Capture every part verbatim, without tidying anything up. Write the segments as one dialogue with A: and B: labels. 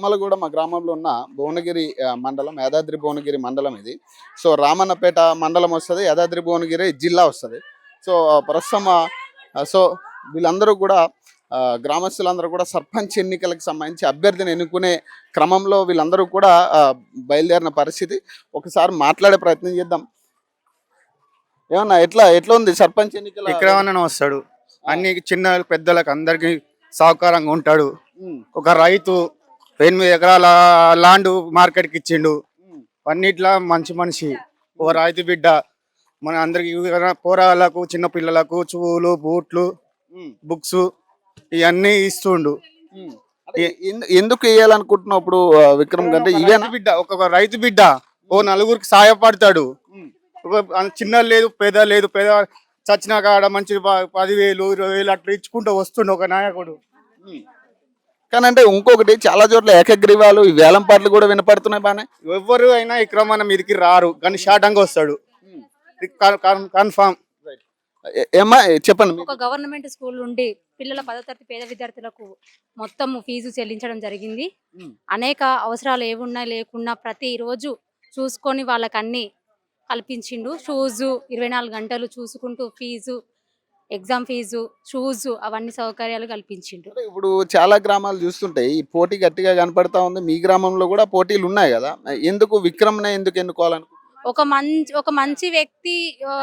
A: బొమ్మలగూడ మా గ్రామంలో ఉన్న భువనగిరి ఆ, మండలం యాదాద్రి భువనగిరి మండలం ఇది. సో రామన్నపేట మండలం వస్తుంది, యాదాద్రి భువనగిరి జిల్లా వస్తుంది. సో ప్రస్తుతం ఆ, సో వీళ్ళందరూ కూడా ఆ, గ్రామస్తులందరూ కూడా సర్పంచ్ ఎన్నికలకు సంబంధించి అభ్యర్థిని ఎన్నుకునే క్రమంలో వీళ్ళందరూ కూడా ఆ, బయలుదేరిన పరిస్థితి. ఒకసారి మాట్లాడే ప్రయత్నం చేద్దాం. ఏమన్నా ఎట్లా ఎట్లా ఉంది సర్పంచ్ ఎన్నికల
B: విక్రమన్న వస్తాడు, అన్ని చిన్న పెద్దలకు అందరికి సహకారంగా ఉంటాడు.
A: ఉమ్,
B: ఒక రైతు ఎనిమిది ఎకరాల ల్యాండ్ మార్కెట్కి ఇచ్చిండు.
A: ఉమ్,
B: అన్నిట్లా మంచి మనిషి, ఒక రైతు బిడ్డ. మన అందరికి పోరాళ్ళకు చిన్న పిల్లలకు చూలు బూట్లు
A: ఉమ్,
B: బుక్స్ ఇవన్నీ ఇస్తుండు.
A: ఉమ్. అంటే ఎందు- ఎందుకు వేయాలనుకుంటున్నావు ఇప్పుడు ఆ, విక్రమ్ కంటే
B: ఒక
A: ఇవేనా?
B: రైతు బిడ్డ ఒక రైతు బిడ్డ ఓ నలుగురికి సహాయపడతాడు.
A: ఉమ్,
B: ఒక చిన్న లేదు పేద లేదు, పేద చచ్చిన కాడ మంచి ప- పదివేలు ఇరవై వేలు అట్లా ఇచ్చుకుంటూ వస్తుండు ఒక నాయకుడు.
A: ఉమ్. కానీ అంటే ఇంకొకటి చాలా చోట్ల ఏకగ్రీవాలు ఈ వేలం పాటలు కూడా వినపడుతున్నాయి బానే.
B: ఎవ్వరు అయినా ఈ క్రమాన మీదకి రారు, కానీ షార్టంగా వస్తాడు కన్ఫామ్.
A: ఏ- ఏమ్మా చెప్పండి మీకు.
C: ఒక గవర్నమెంట్ స్కూల్ నుండి పిల్లల పదో తరగతి పేద విద్యార్థులకు మొత్తం ఫీజు చెల్లించడం జరిగింది.
A: ఉమ్,
C: అనేక అవసరాలు ఏమున్నా లేకున్నా ప్రతిరోజు చూసుకొని వాళ్ళకి అన్ని కల్పించిండు. షూజు ఇరవై నాలుగు గంటలు చూసుకుంటూ ఫీజు, ఎగ్జామ్ ఫీజు, షూజు అవన్నీ సౌకర్యాలు కల్పించిండు.
A: అంటే ఇప్పుడు చాలా గ్రామాలు చూస్తుంటే ఈ పోటీ గట్టిగా కనపడతా ఉంది. మీ గ్రామంలో కూడా పోటీలు ఉన్నాయి కదా, ఎందుకు విక్రమ్నే ఎందుకు ఎన్నుకోవాలనుకుంటున్నారు?
C: ఒక మంచి ఒక మంచి వ్యక్తి ఆ,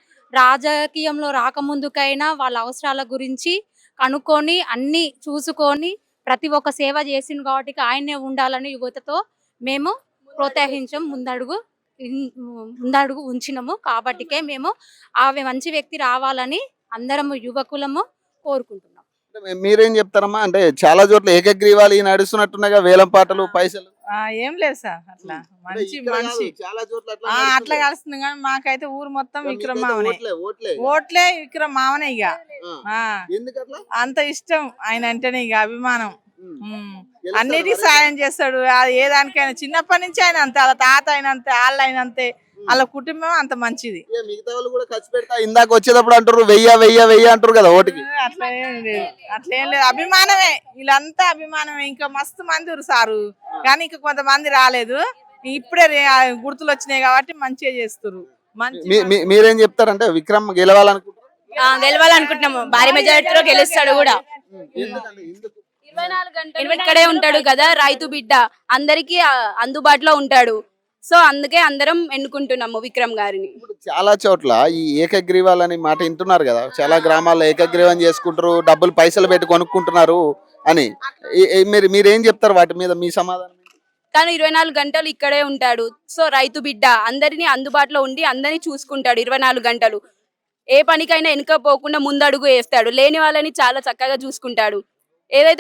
C: రాజకీయంలో రాకముందుకైనా వాళ్ళ అవసరాల గురించి కనుక్కొని అన్ని చూసుకొని ప్రతి ఒక్క సేవ చేసిండు కాబట్టి ఆయనే ఉండాలని యువతతో మేము ప్రోత్సహించాం, ముందడుగు ఇన్- ముందడుగు ఉంచినము. కాబట్టికే మేము ఆ మంచి వ్యక్తి రావాలని అందరము యువకులము కోరుకుంటున్నాం.
A: అంటే మీ- మీరేం చెప్తారమ్మా? అంటే చాలా చోట్ల ఏకగ్రీవాలు ఈ నడుస్తున్నట్టున్నాయిగా వేలం పాటలు పైసలు.
D: ఆ ఏం లేదు సార్, అట్లా
A: అంటే
D: మంచి
A: ఇక్కడ కాదు,
D: మనిషి.
A: చాలా చోట్ల అట్లా
D: ఆ అట్లా
A: నడుస్తున్నాయి.
D: కలుస్తుంది కానీ మాకైతే ఊరు మొత్తం
A: మీకైతే
D: విక్రమ్ మామనే.
A: ఓట్లే ఓట్లే
D: ఓట్లే విక్రమ్ మామనే ఇక.
A: ఆ.
D: ఆ
A: ఎందుకు అట్లా?
D: అంత ఇష్టం ఆయన అంటేనే ఇక అభిమానం.
A: ఉమ్.
D: ఉమ్.
A: గెలుస్తాడు
D: అన్నిటికీ
A: మరి.
D: సాయం చేస్తాడు. అది ఏ దానికైనా చిన్నప్పటి నుంచి ఆయన అంతే, వాళ్ళ తాత అయిన అంతే, వాళ్ళ అయిన అంతే, వాళ్ళ కుటుంబం అంత మంచిది.
A: ఏ మిగతా వాళ్ళు కూడా ఖర్చు పెడతా ఇందాక వచ్చేటప్పుడు అంటారు వెయ్య వెయ్య వెయ్య అంటారు కదా ఓటుకి.
D: అట్లా ఏం లేదు, అట్లా ఏం లేదు, అభిమానమే. వీళ్ళంతా అభిమానమే. ఇంకా మస్తు మంది ఉన్నారు సారు, కానీ ఇంకా కొంతమంది రాలేదు. ఇప్పుడే రే- ఆ గుర్తులు వచ్చినాయి కాబట్టి మంచిగా చేస్తారు. మంచి
A: మీ- మీ- మీరేం చెప్తారంటే విక్రమ్ గెలవాలనుకుంటున్నారు?
E: గెలవాలనుకుంటున్నాము. భారీ మెజారిటీలో గెలుస్తాడు కూడా.
A: ఎందుకంటే ఎందుకు?
E: ఇరవై నాలుగు గంటలు ఇక్కడే ఉంటాడు కదా, రైతు బిడ్డ అందరికి అందుబాటులో ఉంటాడు. సో అందుకే అందరం ఎన్నుకుంటున్నాము విక్రమ్ గారిని.
A: ఇప్పుడు చాలా చోట్ల ఈ ఏకగ్రీవాలని మాట వింటున్నారు కదా, చాలా గ్రామాల్లో ఏకగ్రీవం చేసుకుంటారు, డబ్బులు పైసలు పెట్టి కొనుక్కుంటున్నారు అని. ఈ- ఈ మీరు మీరేం చెప్తారు వాటి మీద మీ సమాధానం ఏంటి?
E: తను ఇరవై నాలుగు గంటలు ఇక్కడే ఉంటాడు. సో రైతు బిడ్డ అందరినీ అందుబాటులో ఉండి అందరినీ చూసుకుంటాడు ఇరవై నాలుగు గంటలు. ఏ పనికైనా వెనుకపోకుండా ముందడుగు వేస్తాడు. లేని వాళ్ళని చాలా చక్కగా చూసుకుంటాడు. ఏదైతే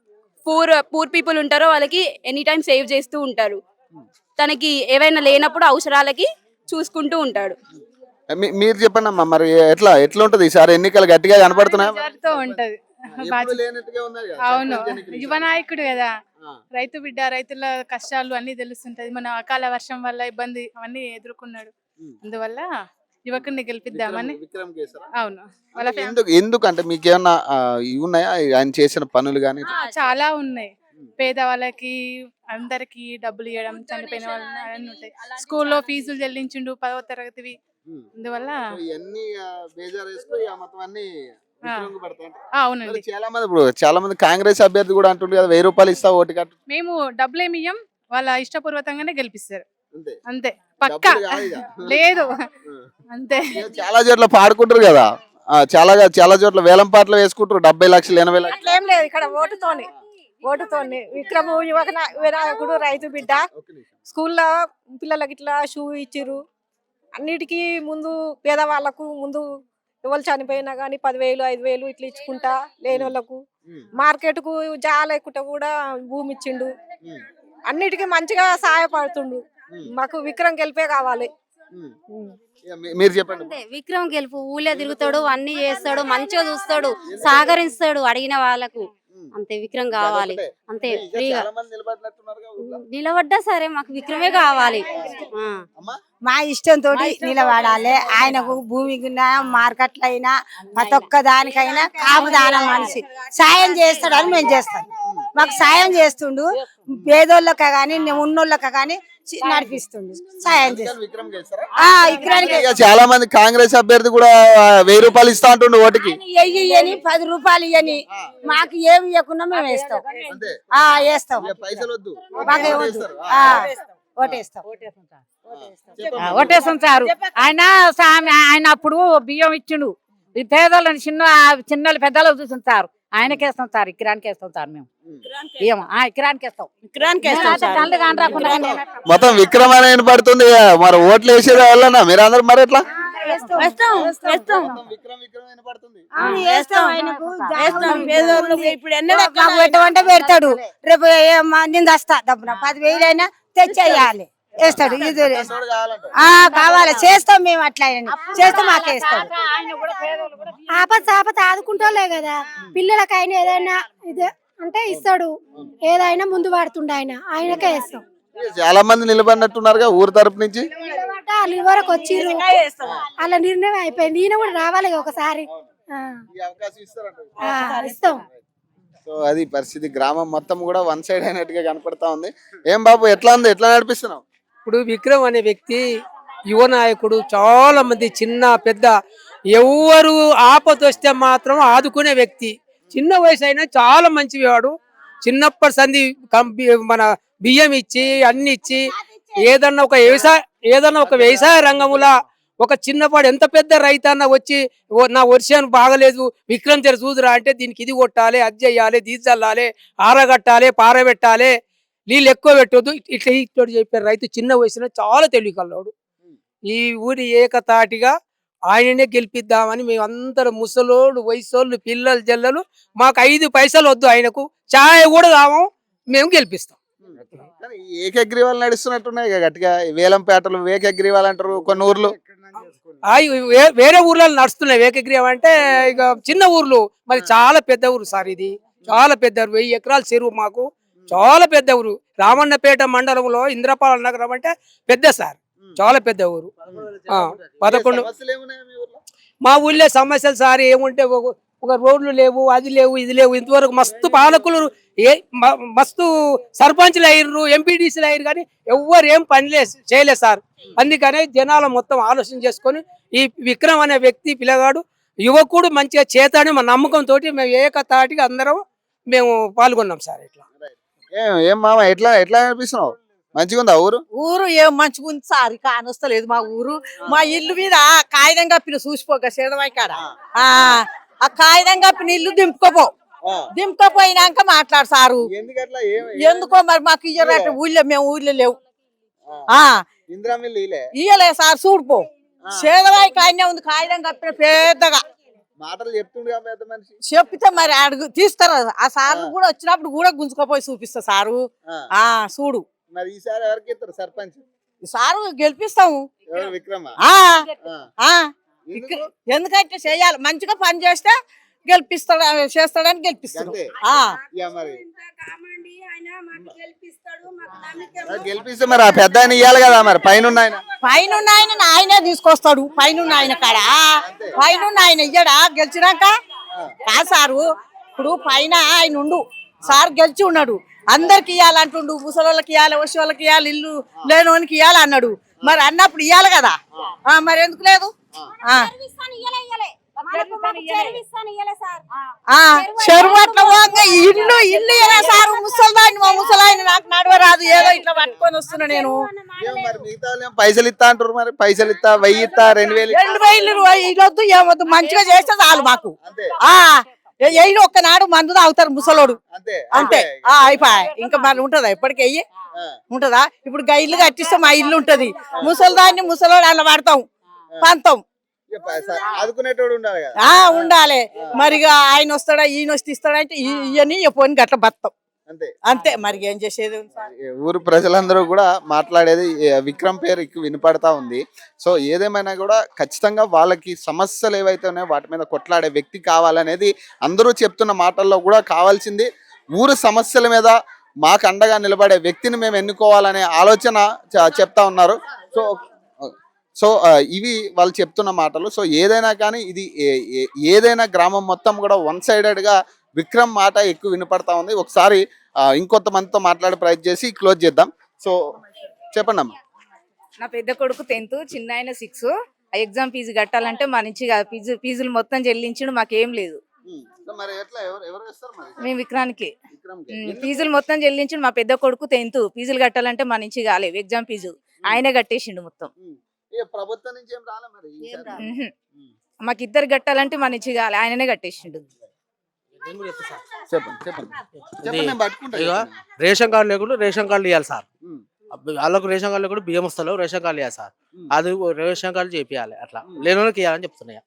E: పూర్ పూర్ పీపుల్ ఉంటారో వాళ్ళకి ఎనీ టైం సేవ్ చేస్తూ ఉంటారు. తనకి ఏవైనా లేనప్పుడు అవసరాలకి చూసుకుంటూ ఉంటాడు.
A: మీ- మీరు చెప్పండి అమ్మా, మరి ఎట్లా ఎట్లా ఉంటది ఈసారి ఎన్నికలు గట్టిగా కనపడుతున్నాయా?
F: మెజారిటీతో ఉంటది.
A: ఎప్పుడు లేనట్టుగా ఉన్నది కదా
F: అవును,
A: సర్పంచ్ ఎన్నికలు.
F: యువ నాయకుడు కదా,
A: ఆ.
F: రైతు బిడ్డ, రైతుల కష్టాలు అన్ని తెలుస్తుంటది. మన అకాల వర్షం వల్ల ఇబ్బంది అవన్నీ ఎదుర్కొన్నాడు.
A: ఉమ్.
F: అందువల్ల యువకుడిని గెలిపిద్దామని.
A: విక్రమ్- విక్రమ్ కేసరా?
F: అవును, వాళ్ళ
A: అంటే
F: ఫ్యామిలీ
A: ఎందుకు ఎందుకంటే మీకేమన్నా ఆ, ఇవి ఉన్నాయా ఆయన చేసిన పనులు కానీ?
F: చాలా ఉన్నాయి. పేదవాళ్ళకి అందరికి డబ్బులు ఇవ్వడం, చనిపోయిన వాళ్ళని అవన్నీ ఉంటాయి. స్కూల్లో ఫీజులు చెల్లించిండు పదవ తరగతివి. అందువల్ల
A: ఇవన్నీ బేజారు వేసుకుని ఆ మొత్తం అన్ని విక్రమ్కి పెడతాయంట.
F: ఆ, అవునండి,
A: మరి చాలా మంది ఇప్పుడు చాలా మంది కాంగ్రెస్ అభ్యర్థి కూడా అంటుండే కదా వెయ్యి రూపాయలు ఇస్తా ఓటు కట్టు.
F: మేము డబ్బులు ఏమి ఇయ్యం, వాళ్ళ ఇష్టపూర్వకంగానే గెలిపిస్తారు.
A: అంతే
F: అంతే, పక్క
A: డబ్బులు కాదు ఇక.
F: లేదు,
A: ఆ.
F: అంతే.
A: ఇక చాలా చోట్ల పాడుకుంటారు కదా, ఆ, చాలా చాలా చోట్ల వేలం పాటలు వేసుకుంటారు డెబ్బై లక్షలు ఎనభై లక్షలు.
G: అట్లేం లేదు, ఇక్కడ ఓటుతోని ఓటుతోని విక్రము యువక నా- వినాయకుడు, రైతు బిడ్డ.
A: ఒక్క నిమిషం.
G: స్కూల్లో పిల్లలకి ఇట్లా షూ ఇచ్చిర్రు. అన్నిటికీ ముందు పేదవాళ్ళకు ముందు ఎవరు చనిపోయినా కానీ పదివేలు ఐదు వేలు ఇట్లా ఇచ్చుకుంటా లేని వాళ్ళకు.
A: ఉమ్,
G: మార్కెట్కు జాల ఎక్కుంటా కూడా భూమి ఇచ్చిండు.
A: ఉమ్,
G: అన్నిటికీ మంచిగా సహాయపడుతుండు.
A: ఉమ్,
G: మాకు విక్రమ్ గెలిపే కావాలి.
A: ఉమ్.
G: ఉమ్.
A: ఇక మీ- మీరు చెప్పండి.
C: అంతే, విక్రమ్ గెలుపు. ఊళ్ళో తిరుగుతాడు, అన్ని చేస్తాడు, మంచిగా చూస్తాడు, సహకరిస్తాడు అడిగిన వాళ్ళకు. అంతే, విక్రమ్ కావాలి.
A: అదొకటే.
C: అంతే,
A: ఇంకా
C: ఫ్రీగా
A: చాలా మంది నిలబడినట్టున్నారుగా ఊర్లో.
C: నిలబడ్డా సరే మాకు విక్రమే కావాలి. ఆ.
A: అమ్మా
H: మా ఇష్టంతో నిలబడాలి. ఆయనకు భూమికి మార్కెట్లు అయినా ప్రతి ఒక్క దానికైనా కాపుదాన మనిషి సాయం చేస్తాడని మేము చేస్తాం. మాకు సాయం చేస్తుండు, పేదోళ్ళక గాని ఉన్నోళ్ళక గాని చి- నడిపిస్తుండు, సాయం చేస్తుండు.
A: విక్రమ్ గెలుస్తారా?
H: ఆ విక్రానికి
A: ఇక చాలా మంది కాంగ్రెస్ అభ్యర్థి కూడా వెయ్యి రూపాయలు ఇస్తా అంటుండు ఓటుకి.
H: ఎయ్యి ఇయ్యని పది రూపాయలు ఇయ్యని మాకు ఏమి ఇవ్వకుండా మేము వేస్తాం.
A: అంతే,
H: ఆ వేస్తాం,
A: ఇక పైసలు వద్దు.
H: మాకు
A: ఓటు
H: వద్దు.
A: వేస్తారు.
H: ఆ,
A: ఆ,
H: ఓటేస్తాం.
A: చెప్పమ్మా.
I: ఓటేస్తాం సారు. ఆయన సామి ఆయన అప్పుడు బియ్యం ఇచ్చిండు, ఈ పేదలను చిన్న చిన్నలు పెద్దలు చూస్తుంటారు, ఆయనకేస్తాం సార్, ఇక్కరానికి వేస్తాం సార్ మేము బియ్యం. ఆ ఇక్కరానికి వేస్తాం, ఇక్కరానికి తల్లి కాని రాకుండా
A: మొత్తం విక్రమ్ అనే వినపడుతుంది. మరి ఓట్లు వేసేది వల్లనా మీరు అందరు మరి ఎట్లా?
H: వేస్తాం, వేస్తాం.
A: మొత్తం విక్రమ్ విక్రమ్ వినపడుతుంది.
H: అవును, వేస్తాం. ఆయనకు
I: వేస్తాం. పేదోళ్ళకు ఇప్పుడు ఎన్నడూ
H: మాకు పెట్టమంటే పెడతాడు. రేపు ఏ- మా- నేను వస్తా డబ్బున పదివేలు అయినా తెచ్చేయాలి, వేస్తాడు. ఇది
A: తోడు కావాలంట.
H: ఆ కావాలి, చేస్తాం మేము. అట్లా చేస్తే మాకే ఇస్తాడు.
J: ఆపద ఆపద ఆదుకుంటోలే కదా పిల్లలకైనా ఏదైనా ఇదే అంటే ఇస్తాడు, ఏదైనా ముందు పడుతుండే ఆయన, ఆయనకే ఇస్తాం.
A: చాలా మంది నిలబడినట్టున్నారుగా ఊరు తరపు నుంచి.
J: నిలబడ్డ వాళ్ళు ఇవరకు వచ్చిర్రు, అలా నిర్ణయం అయిపోయింది. ఈయన కూడా రావాలి కదా ఒకసారి. ఆ,
A: ఈ అవకాశం ఇస్తారంట.
J: ఆ, ఇస్తాం.
A: సో అది పరిస్థితి. గ్రామం మొత్తం కూడా వన్ సైడ్ అయినట్టుగా కనపడతా ఉంది. ఏం బాబు ఎట్లా ఉంది, ఎట్లా నడిపిస్తున్నావు?
K: ఇప్పుడు విక్రమ్ అనే వ్యక్తి యువ నాయకుడు, చాలా మంది చిన్న పెద్ద ఎవరు ఆపద వస్తే మాత్రం ఆదుకునే వ్యక్తి. చిన్న వయసు అయినా చాలా మంచివాడు. చిన్నప్పటి సంధి కంపి- మన బియ్యం ఇచ్చి అన్ని ఇచ్చి ఏదన్నా ఒక వ్యవసాయ ఏదన్నా ఒక వ్యవసాయ రంగములా ఒక చిన్నపాడు ఎంత పెద్ద రైతన్న వచ్చి "ఓ, నా వర్షం బాగలేదు విక్రమ్ తెర చూదురా" అంటే దీనికి ఇది కొట్టాలి, అది చెయ్యాలి, దీది చల్లాలి, ఆరగట్టాలి, పారబెట్టాలి, నీళ్ళు ఎక్కువ పెట్టొద్దు, ఇట్లా ఇట్లా చెప్పారు. రైతు చిన్న వయసులో చాలా తెలివికల్లాడు. ఈ ఊరి ఏకతాటిగా ఆయననే గెలిపిద్దామని మేము అందరం ముసలోళ్ళు, వయసోళ్ళు, పిల్లలు, జల్లలు, మాకు ఐదు పైసలు వద్దు, ఆయనకు ఛాయ్ కూడా కావం, మేము గెలిపిస్తాం.
A: కానీ ఈ ఏకగ్రీవాలు నడుస్తున్నట్టున్నాయి ఇక గట్టిగా. వేలంపేటలు ఏకగ్రీవాలు అంటారు కొన్ని ఊర్లు.
K: ఆ వే- వేరే ఊర్లలో నడుస్తున్నాయి ఏకగ్రీవం అంటే. ఇక చిన్న ఊర్లు, మరి చాలా పెద్ద ఊరు సార్ ఇది, చాలా పెద్ద ఊరు. వెయ్యి ఎకరాల చెరువు మాకు, చాలా పెద్ద ఊరు. రామన్నపేట మండలంలో ఇంద్రపాల నగరం అంటే పెద్ద సార్, చాలా పెద్ద ఊరు. ఆ, పదకొండు
A: సమస్యలు ఏమున్నాయి మీ ఊర్లో?
K: మా ఊళ్ళో సమస్యలు సార్ ఏముంటే ఒక- ఒక రోడ్లు లేవు, అది లేవు, ఇది లేవు. ఇంతవరకు మస్తు పాలకులు ఏ మ- మస్తు సర్పంచ్లు అయ్యారు, ఎంపీడీసీలు అయ్యారు, కానీ ఎవ్వరు ఏం పని లే చేయలేదు సార్. అందుకనే జనాలు మొత్తం ఆలోచన చేసుకొని ఈ విక్రమ్ అనే వ్యక్తి పిల్లగాడు యువకుడు మంచిగా చేతాడని మా నమ్మకంతో మేము ఏకతాటిగా అందరం మేము పాల్గొన్నాం సార్. ఇట్లా
A: ఏం ఏం మామ ఎట్లా ఎట్లా అనిపిస్తున్నావు? మంచిగా ఉందా ఊరు?
D: ఊరు ఏం మంచిగా ఉంది సార్, కానొస్తలేదు మా ఊరు. మా ఇల్లు మీద కాగితం కప్పిన చూసిపోక సేదవాయి కాడ ఆ ఆ కాగితం కప్పిన ఇల్లు దింపుకోపో, దింపుకోపోయినాక మాట్లాడు సారు.
A: ఎందుకట్లా? ఏం
D: ఎందుకో మరి మాకు ఇయ్యరట ఊళ్ళో, మేము ఊళ్ళో లేవు. ఆ
A: ఇందిరా మిల్లు ఇలే
D: ఇయ్యలే సార్, చూడుపో సేదవాయి కాయనే ఉంది, కాగితం కప్పిన పెద్దగా.
A: మాటలు చెప్తుండగా పెద్ద మనిషి.
D: చెప్పితే మరి అడుగు తీస్తారా ఆ సార్లు కూడా వచ్చినప్పుడు కూడా గుంజుకోపోయి చూపిస్తా సారు.
A: ఆ,
D: ఆ చూడు,
A: మరి ఈసారి ఎవరికి ఇస్తారు సర్పంచ్?
D: సారు గెలిపిస్తాము.
A: ఎవరు? విక్రమా?
D: ఆ
A: ఆ.
D: ఆ
A: ఎందుకు?
D: ఎందుకంటే చేయాలి, మంచిగా పని చేస్తే గెలిపిస్తాడు, చేస్తాడని గెలిపిస్తాడు.
A: అంతే.
D: ఆ
A: ఇక మరి మరి గెలిపిస్తే మరి ఆ పెద్ద ఆయన ఇయ్యాలి కదా, మరి పైన ఉన్న ఆయన.
D: పైన ఆయన ఆయనే తీసుకొస్తాడు, పైన ఆయన కాడ పైన ఆయన ఇయ్యడా గెలిచినాక? కాదు సారు, ఇప్పుడు పైన ఆయన ఉండు, సార్ గెలిచి ఉన్నాడు, అందరికి ఇయ్యాలంటుండు, ముసలోళ్ళకి ఇయ్యాలి, వచ్చి వాళ్ళకి ఇయ్యాలి, ఇల్లు లేనోనికి ఇయ్యాలి అన్నాడు. మరి అన్నప్పుడు ఇయ్యాలి కదా, ఆ మరి ఎందుకు లేదు? ఆ ఆ చెరువు అట్లా పోగా ఇల్లు ఇల్లు ఇయ్యలే సారు. ముసలిదాన్ని, మా ముసలాయన నాకు నడవరాదు, ఏదో ఇట్లా పట్టుకొని వస్తున్నా నేను.
A: ఏం మరి మిగతా వాళ్ళు ఏం పైసలు ఇస్తా అంటారు, మరి పైసలు ఇస్తా, వెయ్యి ఇస్తా, రెండు వేలు ఇస్తా.
D: రెండు వేలు ఇల్లొద్దు, ఏమొద్దు, మంచిగా చేస్తే చాలు మాకు.
A: అంతే
D: ఆ ఎయ్యి ఒక్కనాడు మందు తాగుతారు ముసలోడు,
A: అంతే
D: అంతే. ఆ అయిపోయి ఇంకా మరి ఉంటదా ఎప్పటికి వెయ్యి ఉంటదా? ఇప్పుడు గా ఇల్లు కట్టిస్తే మా ఇల్లు ఉంటది, ముసలిదాన్ని ముసలోడు అలా పడతాం, పంతం.
A: ఇక పైస- ఆదుకునేటోడు ఉండాలి కదా.
D: ఆ ఉండాలి మరి. ఇక ఆయన వస్తాడా, ఈయన వస్తే ఇస్తాడంటే ఇవన్నీ పోని గట్ల బతాం,
A: అంతే
D: అంతే. మరి ఏం చేసేది ఉంది సార్?
A: ఈ ఊరు ప్రజలందరూ కూడా మాట్లాడేది ఈ విక్రమ్ పేరు ఎక్కువ వినపడతా ఉంది. సో ఏదేమైనా కూడా ఖచ్చితంగా వాళ్ళకి సమస్యలు ఏవైతే ఉన్నాయో వాటి మీద కొట్లాడే వ్యక్తి కావాలనేది అందరూ చెప్తున్న మాటల్లో కూడా కావాల్సింది. ఊరు సమస్యల మీద మాకు అండగా నిలబడే వ్యక్తిని మేము ఎన్నుకోవాలనే ఆలోచన చ- చెప్తా ఉన్నారు. సో సో ఆ, ఇవి వాళ్ళు చెప్తున్న మాటలు. సో ఏదైనా కానీ ఇది ఏ- ఏ- ఏదైనా గ్రామం మొత్తం కూడా వన్ సైడెడ్గా విక్రమ్ మాట ఎక్కువ వినపడతా ఉంది. ఒకసారి ఆ, ఇంకొంతమందితో మాట్లాడే ప్రయత్నం చేసి క్లోజ్ చేద్దాం. సో చెప్పండి అమ్మా.
I: నా పెద్ద కొడుకు టెన్త్, చిన్న ఆయన సిక్స్. ఆ ఎగ్జామ్ ఫీజు కట్టాలంటే మా నుంచి కాదు, ఫీజు ఫీజులు మొత్తం చెల్లించడు, మాకేం లేదు.
A: ఉమ్. సో మరి ఎట్లా ఎవరు ఎవరు వేస్తారు మరి
I: మేము విక్రానికి
A: విక్రమ్కి?
I: ఉమ్,
A: ఎందుకు?
I: ఫీజులు మొత్తం చెల్లించండు. మా పెద్ద కొడుకు టెన్త్, ఫీజులు కట్టాలంటే మా నుంచి కాలేవు. ఎగ్జామ్ ఫీజు ఆయనే కట్టేసిండు మొత్తం.
A: ఉమ్. ఇక ప్రభుత్వం నుంచి ఏం రాలే మరి ఈసారి?
I: ఉహు.
A: ఉమ్.
I: మాకు ఇద్దరు కట్టాలంటే మా నుంచి కాలే, ఆయననే కట్టేసిండు.
A: చెప్పండి చెప్పండి చెప్పండి నేను పట్టుకుంటా.
L: ఇక
A: చెప్పండి.
L: రేషన్ కార్డు లేకుండా రేషన్ కార్డు ఇవ్వాలి సార్.
A: ఉమ్.
L: అబ్బ- వాళ్ళకు రేషన్ కార్డు లేకుండా బియ్యం వస్తలేవు, రేషన్ కార్డు ఇవ్వాలి సార్.
A: ఉమ్.
L: అది రేషన్ కార్డు చేపియాలి, అట్లా
A: ఉమ్.
L: లేని వాళ్ళకి ఇవ్వాలని చెప్తున్నాయి.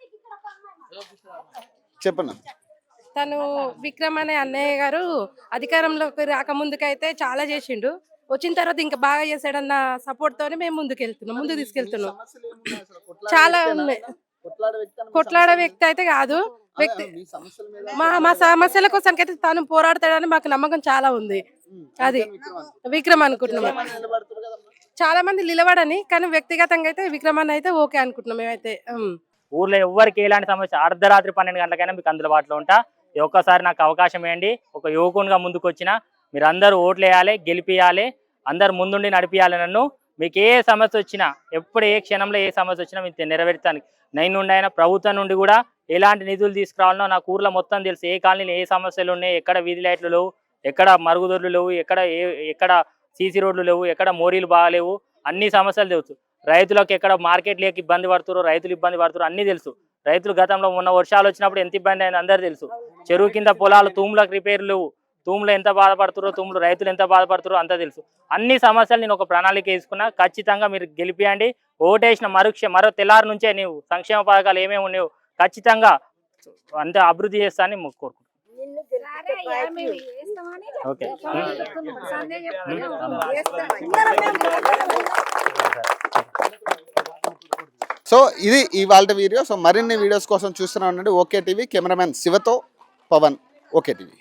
A: చెప్పండి.
G: తను విక్రమ్ అనే అన్నయ్య గారు అధికారంలోకి రాకముందుకైతే చాలా చేసిండు. వచ్చిన తర్వాత ఇంకా బాగా చేశాడన్న సపోర్ట్ తోనే మేము ముందుకు వెళ్తున్నాం, ముందుకు తీసుకెళ్తున్నాం.
A: సమస్యలు ఏమున్నాయి అసలు? కొట్లాడే
G: చాలా
A: వ్యక్తేనా?
G: ఉన్నాయి.
A: కొట్లాడే వ్యక్తి అని మీ
G: కొట్లాడే
A: సమస్యలు-
G: వ్యక్తి అయితే కాదు,
A: అదే,
G: వ్యక్తి
A: మీ సమస్యల మీద
G: మా మా సమస్యల కోసం అయితే తాను పోరాడతాడని మాకు నమ్మకం చాలా ఉంది.
A: ఉమ్.
G: అది
A: అందుకని విక్రమ్ అనుకుంటున్నా.
G: విక్రమ్ అనుకుంటున్నాం.
A: చాలా మంది నిలబడుతున్నారు కదమ్మా.
G: చాలా మంది నిలబడని, కానీ వ్యక్తిగతంగా అయితే విక్రమ్ అన్న అయితే ఓకే అనుకుంటున్నాం మేమైతే. ఉమ్.
M: ఊర్లో ఎవరికి ఎలాంటి సమస్య అర్ధరాత్రి పన్నెండు గంటలకైనా మీకు అందుబాటులో ఉంటా. ఈ ఒక్కసారి నాకు అవకాశం ఇవ్వండి. ఒక యువకునిగా ముందుకు వచ్చిన మీరు అందరూ ఓట్లు వేయాలి, గెలిపియాలి, అందరు ముందుండి నడిపియాలి నన్ను. మీకు ఏ సమస్య వచ్చినా, ఎప్పుడు ఏ క్షణంలో ఏ సమస్య వచ్చినా మీకు నెరవేర్చానికి నేను నుండి అయినా ప్రభుత్వం నుండి కూడా ఎలాంటి నిధులు తీసుకురావాలనో నాకు ఊర్లో మొత్తం తెలుసు. ఏ కాలనీలో ఏ సమస్యలు ఉన్నాయి, ఎక్కడ వీధి లైట్లు లేవు, ఎక్కడ మరుగుదొడ్లు లేవు, ఎక్కడ ఏ ఎక్కడ సీసీ రోడ్లు లేవు, ఎక్కడ మోరీలు బాగాలేవు, అన్ని సమస్యలు తెలుసు. రైతులకు ఎక్కడ మార్కెట్ లేక ఇబ్బంది పడుతున్నారు, రైతులు ఇబ్బంది పడుతున్నారు, అన్నీ తెలుసు. రైతులు గతంలో ఉన్న వర్షాలు వచ్చినప్పుడు ఎంత ఇబ్బంది అయింది అందరూ తెలుసు. చెరువు కింద పొలాలు తూములకు రిపేర్లు లేవు, తూములు ఎంత బాధపడుతారో, తూములు రైతులు ఎంత బాధపడుతారో అంతా తెలుసు. అన్ని సమస్యలు నేను ఒక ప్రణాళిక వేసుకున్నా. ఖచ్చితంగా మీరు గెలిపియండి. ఓటేసిన మరుక్ష మరో తెల్లారి నుంచే నీవు సంక్షేమ పథకాలు ఏమేమి ఉన్నాయో ఖచ్చితంగా అంత అభివృద్ధి చేస్తానని కోరుకుంటున్నాను. ఓకే.
A: సో ఇది ఇవాళ వీడియో. సో మరిన్ని వీడియోస్ కోసం చూస్తూనే ఉండండి ఓకే టీవీ. కెమెరామెన్ శివతో పవన్, ఓకే టీవీ.